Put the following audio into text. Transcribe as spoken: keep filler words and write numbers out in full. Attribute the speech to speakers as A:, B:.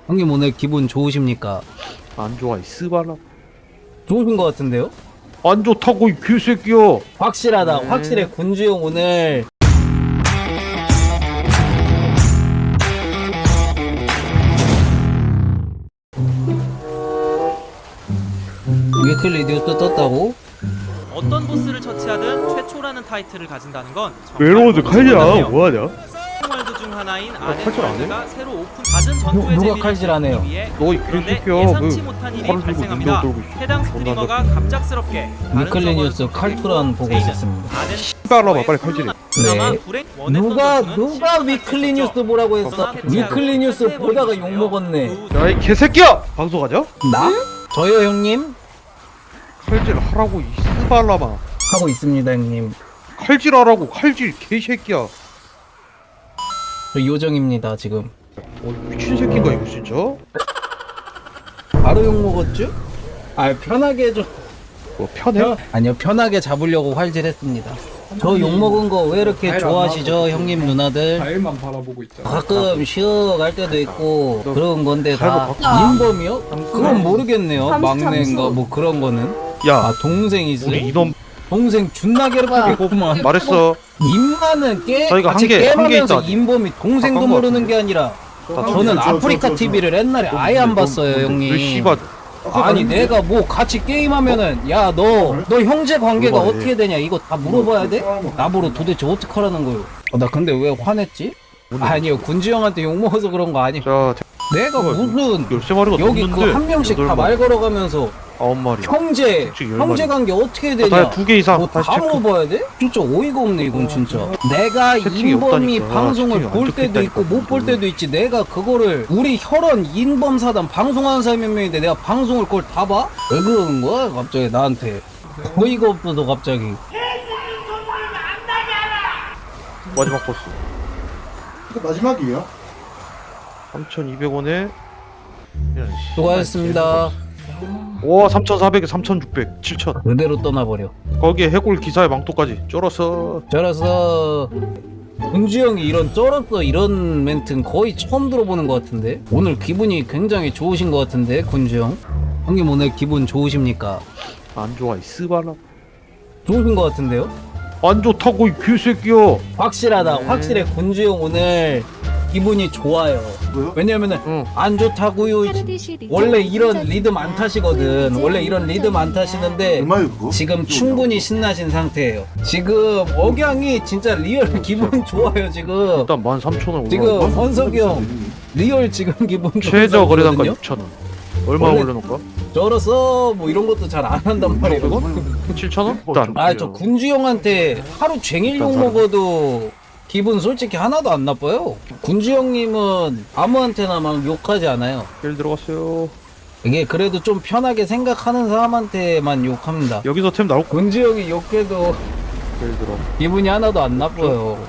A: 형님 오늘 기분 좋으십니까?
B: 안 좋아 이 스바라.
A: 좋으신 것 같은데요?
B: 안 좋다고 이 개새끼야.
A: 확실하다.
B: 네.
A: 확실해. 군주 형 오늘 위클리 뉴스 떴다고?
C: 어떤 보스를 처치하든 최초라는 타이틀을 가진다는 건
B: 외로워도 칼이야. 뭐하냐?
C: 월드 중 하나인
B: 칼질 안 해?
C: 아덴월드가 새로 오픈 받은 전투의
A: 누가
C: 재미를
A: 칼질하네요?
C: 즐기기 위해
B: 너 이
C: 그런데
B: 개새끼야.
C: 예상치
B: 그
C: 못한 일이
B: 칼을 들고
C: 발생합니다.
B: 눈병 들고 있어.
C: 해당 스트리머가 갑작스럽게 다른
A: 위클리
C: 서버를
A: 뉴스 칼투란 보고
C: 제이는
A: 있었습니다.
C: 아덴
B: 씨발라봐 빨리 칼질해.
C: 그나마
A: 네.
C: 불행 원했던
A: 누가
C: 전투는
A: 누가
C: 실패할
A: 위클리
C: 수
A: 뉴스
C: 있었죠.
A: 보라고 했어?
C: 그러나 패치하고
A: 위클리 뉴스
C: 패배해버린
A: 보다가
C: 것이네요.
A: 욕 먹었네.
C: 그
B: 야 이 개새끼야. 방송하냐?
A: 나? 저요 형님?
B: 칼질 하라고 이 스발라마.
A: 하고 있습니다 형님.
B: 칼질 하라고 칼질 개새끼야.
A: 저 요정입니다 지금.
B: 어 미친 새끼인가 이거 진짜?
A: 바로 욕 먹었죠? 아 편하게 좀.
B: 뭐 편해?
A: 편- 아니요 편하게 잡으려고 활질했습니다. 저 욕 먹은 거 왜 이렇게 좋아하시죠 형님 누나들?
D: 과일만 바라보고 있잖아.
A: 가끔 쉬어갈 때도 있고 그런 건데 다
B: 가위바
A: 인범이요? 그건 모르겠네요. 막내인가 뭐 그런 거는.
B: 야
A: 아 동생이지?
B: 우리 이놈
A: 동생 존나 괴롭히겠구만.
B: 말했어.
A: 인마는 깨
B: 저희가
A: 같이
B: 한 개- 한개
A: 게임하면서
B: 있다.
A: 인범이 동생도
B: 바꾼 거
A: 모르는 게 아니라 저는 아프리카 티비를 옛날에 아예 안 봤어요
B: 너
A: 형님.
B: 씨발
A: 아니 내가 뭐 같이 게임하면은 야 너 너 형제 관계가
B: 물어봐야
A: 어떻게 되냐 이거 다 물어봐야 돼? 나보러 도대체 어떡하라는 거요? 어, 나 근데 왜 화냈지? 아니요 군지 형한테 욕 먹어서 그런 거 아니.
B: 자
A: 내가 무슨
B: 열세 마리가
A: 여기
B: 넘는데
A: 그 한 명씩 다 말 걸어가면서
B: 아홉 마리.
A: 형제
B: 솔직히 열
A: 형제
B: 마리.
A: 관계 어떻게
B: 아,
A: 되냐?
B: 다 두 개 이상
A: 뭐
B: 다시
A: 다
B: 체크.
A: 물어봐야 돼? 진짜 어이가 없네 이건 진짜. 내가
B: 채팅이
A: 인범이
B: 없다니까.
A: 방송을
B: 채팅이 안
A: 볼 때도 있고
B: 적혀있다니까.
A: 못 볼 때도 있지. 내가 그거를 우리 혈원 인범사단 방송하는 사람이 몇 명인데 내가 방송을 그걸 다 봐? 왜 그러는 거야 갑자기 나한테? 어이가 없어서 갑자기.
B: 마지막 버스
D: 이거 마지막이에요?
B: 삼천이백 원에
A: 수고하셨습니다.
B: 와 삼천사백에 삼천육백 칠천
A: 그대로 떠나버려.
B: 거기에 해골 기사의 망토까지 쩔었어.
A: 저라서 은주 형이 이런 쩔었어 이런 멘트는 거의 처음 들어보는 것 같은데 오늘 기분이 굉장히 좋으신 것 같은데 군주 형 형님 오늘 기분 좋으십니까?
B: 안 좋아 이 스발라.
A: 좋으신 것 같은데요?
B: 안 좋다고 이 개새끼야.
A: 확실하다.
B: 네.
A: 확실해. 군주 형 오늘 기분이 좋아요.
D: 뭐요?
A: 왜냐면은
B: 응.
A: 안 좋다고요. 원래 이런 리듬 안 타시거든. 원래 이런 리듬 안 타시는데
D: 얼마예요 그거?
A: 지금 충분히 신나신 상태예요. 지금 억양이 진짜 리얼 기분 좋아요 지금.
B: 일단 만 삼천 원
A: 지금
B: 올라.
A: 헌석이 형 리얼 지금 기분 좋은
B: 최저 거래단가
A: 상태거든요?
B: 육천 원. 얼마
A: 원래-
B: 올려놓을까?
A: 저로서 뭐 이런 것도 잘 안 한단 말이에요.
B: 칠천 원? 일단
A: 아 저 군주 형한테 하루 종일 욕 먹어도 기분 솔직히 하나도 안 나빠요. 군주 형님은 아무한테나 막 욕하지 않아요.
B: 일 들어갔어요.
A: 이게 그래도 좀 편하게 생각하는 사람한테만 욕합니다.
B: 여기서 템 나올 거.
A: 군주 형이 욕해도
B: 일 들어.
A: 기분이 하나도 안 나빠요.